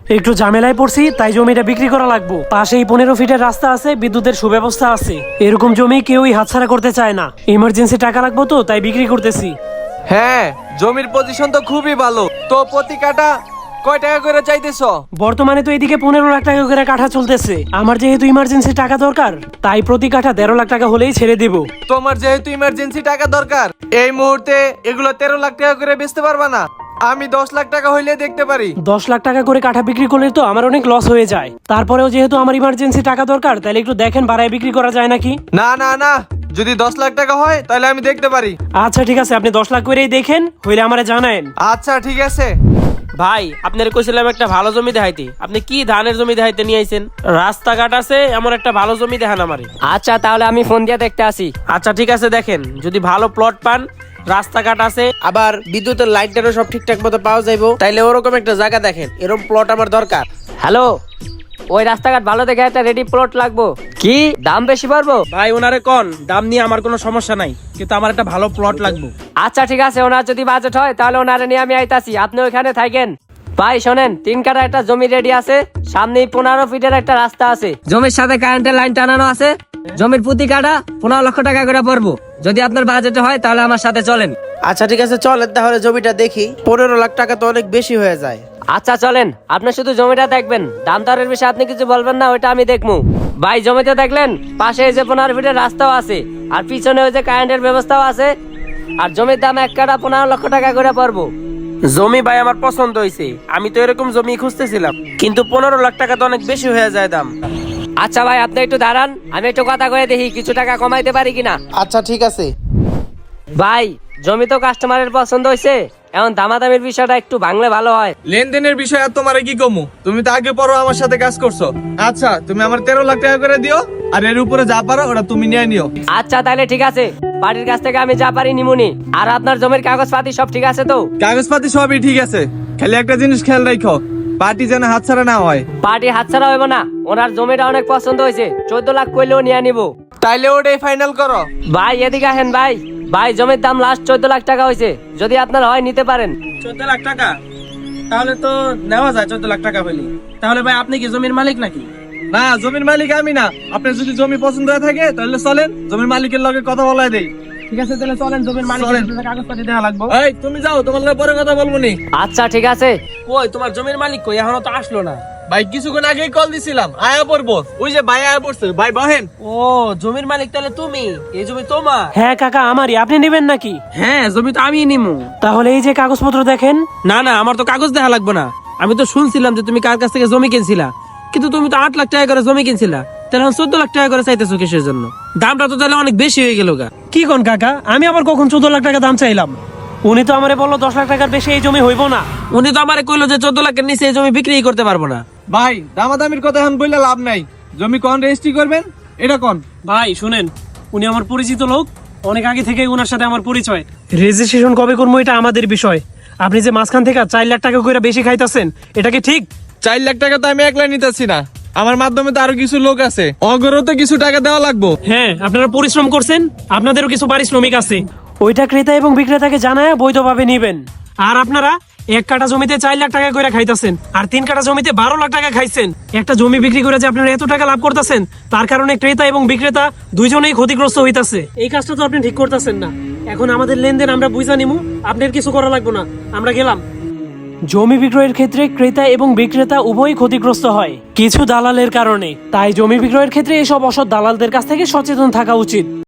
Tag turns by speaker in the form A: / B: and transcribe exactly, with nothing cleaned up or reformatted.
A: একটু ঝামেলায় পড়ছি, তাই জমিটা বিক্রি করা লাগবে। পাশেই পনেরো ফিটের রাস্তা আছে, বিদ্যুতের সুব্যবস্থা আছে। এরকম জমি কেউই হাতছাড়া করতে চায় না। ইমার্জেন্সি টাকা লাগবে তো, তাই বিক্রি করতেছি।
B: হ্যাঁ, জমির পজিশন তো খুবই ভালো। তো প্রতি কাঠা কয় টাকা করে চাইতেছ?
A: বর্তমানে তো এদিকে পনেরো লাখ টাকা করে কাঠা চলতেছে। আমার যেহেতু ইমার্জেন্সি টাকা দরকার, তাই প্রতি কাঠা দেড় লাখ টাকা হলেই ছেড়ে দিব।
B: তোমার যেহেতু ইমার্জেন্সি টাকা দরকার, এই মুহূর্তে এগুলো তেরো লাখ টাকা করে বেচতে পারবা না? আমি দশ লাখ টাকা হইলে দেখতে পারি।
A: দশ লাখ টাকা করে কাঠা বিক্রি করলে তো আমার অনেক লস হয়ে যায়। তারপরেও যেহেতু আমার ইমার্জেন্সি টাকা দরকার, তাহলে একটু দেখেন বাড়ায় বিক্রি করা যায় নাকি।
B: না না না, যদি দশ লাখ টাকা হয় তাহলে আমি দেখতে পারি।
A: আচ্ছা ঠিক আছে, আপনি দশ লাখ করেই দেখেন, হইলে আমারে জানায়েন।
B: আচ্ছা ঠিক আছে।
C: ভাই আপনার কইছিলাম একটা ভালো জমি দেখাইতে, আপনি কি ধানের জমি দেখাইতে নিয়ে আইছেন? রাস্তাঘাট আছে এমন একটা ভালো জমি দেখান আমারে।
D: আচ্ছা তাহলে আমি ফোন দিয়ে দেখতে আসি।
C: আচ্ছা ঠিক আছে, দেখেন যদি ভালো প্লট পান, রাস্তাঘাট আছে, আবার বিদ্যুতের লাইনটারও সব ঠিকঠাক মতো পাওয়া যাইবো, তাইলে ওরকম একটা জায়গা দেখেন। এরকম প্লট আমার দরকার।
D: হ্যালো, ওই রাস্তাঘাট ভালো দেখে একটা রেডি প্লট লাগবো। কি দাম বেশি পারবো?
C: ভাই ওনারে কোন দাম নিয়ে আমার কোনো সমস্যা নাই, কিন্তু আমার একটা ভালো প্লট লাগবে।
D: আচ্ছা ঠিক আছে, ওনার যদি বাজেট হয় তাহলে ওনারে নিয়ে আমি আইতাছি, আপনি ওইখানে থাকেন। ভাই শোনেন, তিন কাঠা একটা জমি রেডি আছে, সামনেই পনেরো ফিটের একটা রাস্তা আছে, জমির সাথে কারেন্টের লাইন টানানো আছে। জমির প্রতি কাঠা পনেরো লক্ষ টাকা করে পড়বো। যদি আপনার বাজেট হয় তাহলে আমার সাথে চলেন।
C: আচ্ছা ঠিক আছে, চলেন তাহলে জমিটা দেখি। পনেরো লাখ টাকা তো অনেক বেশি হয়ে যায়।
D: আচ্ছা চলেন, আপনি শুধু জমিটা দেখবেন, দাম দরের বিষয়ে আপনি কিছু বলবেন না, ওইটা আমি দেখবো। ভাই জমিতে দেখলেন পাশে এই যে পনেরো ফিটের রাস্তাও আছে, আর পিছনে ওই যে কারেন্টের ব্যবস্থাও আছে, আর জমির দাম এক কাঠা পনেরো লক্ষ টাকা করে পড়বো।
C: জমি ভাই আমার পছন্দ হয়েছে, আমি তো এরকম জমি খুঁজতেছিলাম, কিন্তু পনেরো লাখ টাকা তো অনেক বেশি হয়ে যায় দাম।
D: আচ্ছা ভাই আপনি একটু দাঁড়ান, আমি একটু কথা কয়ে দেখি কিছু টাকা কমাইতে পারি কিনা।
C: আচ্ছা ঠিক আছে।
D: ভাই জমি তো কাস্টমারের পছন্দ হয়েছে, এখন দামাদামির বিষয়টা একটু ভাঙলে ভালো হয়।
B: লেনদেনের বিষয় আর তোমারে কি কমু? তুমি তো আগে পরও আমার সাথে কাজ করছো। আচ্ছা তুমি আমার তেরো লাখ টাকা করে দিও, আর এর উপরে যা পারো ওটা তুমি নিয়ে নিও।
D: আচ্ছা তাহলে ঠিক আছে, পার্টির কাছ থেকে আমি যা পারি নিমুনি। আর আপনার জমির কাগজপাতি সব ঠিক আছে তো?
B: কাগজপাতি সবই ঠিক আছে, খালি একটা জিনিস খেয়াল রাখো, পার্টি যেন হাতছাড়া না হয়।
D: পার্টি হাতছাড়া হইব না, ওনার জমিটা অনেক পছন্দ হয়েছে, চোদ্দ লাখ কইলেও নিয়ে নিবো।
B: তাইলে ওটাই ফাইনাল করো।
D: ভাই এদিকে আসেন ভাই, ভাই জমির দাম লাস্ট চোদ্দ লাখ টাকা হয়েছে, যদি আপনার হয় নিতে পারেন।
C: চোদ্দ লাখ টাকা? তাহলে তো নেওয়া যায় চোদ্দ লাখ টাকা হইলে। তাহলে ভাই আপনি কি জমির মালিক নাকি?
B: না, জমির মালিক আমি না। আপনার যদি জমি পছন্দ হয়ে থাকে তাহলে চলেন, জমির মালিকের লগে কথা বলাই দেই।
C: ঠিক আছে তাহলে চলেন, জমির মালিক কাগজপাতি দেখা লাগবে।
B: এই তুমি যাও, তোমার লগে পরে কথা বলবো নি।
D: আচ্ছা ঠিক আছে।
C: কই তোমার জমির মালিক কই? এখনো তো আসলো না।
B: ভাই কিছুক্ষণ আগেই কল দিছিলাম, আয়া পড়বো। ওই যে ভাই আয়া পড়ছে, ভাই বহেন।
C: ও জমির মালিক তাহলে তুমি? এই জমি তোমার?
A: হ্যাঁ কাকা, আমারই। আপনি নেবেন নাকি?
C: হ্যাঁ জমি তো আমি নিমু।
A: তাহলে এই যে কাগজপত্র দেখেন।
C: না না, আমার তো কাগজ দেখা লাগবে না। আমি তো শুনছিলাম যে তুমি কার কাছ থেকে জমি কিনছিলা, কিন্তু তুমি তো আট লাখ টাকা করে জমি কিনছিলা, তাহলে চোদ্দ লাখ টাকা করে চাইতেছো কিসের জন্য? দামটা তো তাহলে অনেক বেশি হয়ে গেল গা।
A: কি কোন কাকা, আমি আবার কখন চোদ্দ লাখ টাকা দাম চাইলাম? উনি তো আমারে বললো দশ লাখ টাকার বেশি এই জমি হইব না।
C: উনি তো আমারে কইলো যে চোদ্দ লাখের নিচে এই জমি বিক্রি করতে পারবো না।
B: ভাই দামাদামির কথা এখন বললে লাভ নাই। জমি কোন রেজিস্ট্রি করবেন এটা কোন?
A: ভাই শুনেন, উনি আমার পরিচিত লোক, অনেক আগে থেকে ওনার সাথে আমার পরিচয়। রেজিস্ট্রেশন কবে করবো এটা আমাদের বিষয়। আপনি যে মাঝখান থেকে চার লাখ টাকা করে বেশি খাইতেছেন, এটা কি ঠিক?
B: চার লাখ টাকা তো আমি একলা নিতেছি না, আমার মাধ্যমে তো আরো কিছু লোক আছে, অগরও তো কিছু টাকা দেওয়া লাগবো।
A: হ্যাঁ, আপনারা পরিশ্রম করছেন, আপনাদেরও কিছু পারিশ্রমিক আছে। ওইটা ক্রেতা এবং বিক্রেতাকে জানায় বৈধভাবে নিবেন। আর আপনারা এক কাঠা জমিতে চার লাখ টাকা করে খাইতেছেন, আর তিন কাঠা জমিতে বারো লাখ টাকা খাইছেন। একটা জমি বিক্রি করে যে আপনারা এত টাকা লাভ করতেছেন, তার কারণে ক্রেতা এবং বিক্রেতা দুইজনেই ক্ষতিগ্রস্ত হইতাছে। এই কাজটা তো আপনি ঠিক করতেছেন না। এখন আমাদের লেনদেন আমরা বুঝা নিমু, আপনার কিছু করা লাগবে না, আমরা গেলাম। জমি বিক্রয়ের ক্ষেত্রে ক্রেতা এবং বিক্রেতা উভয়ই ক্ষতিগ্রস্ত হয় কিছু দালালের কারণে। তাই জমি বিক্রয়ের ক্ষেত্রে এসব অসৎ দালালদের কাছ থেকে সচেতন থাকা উচিত।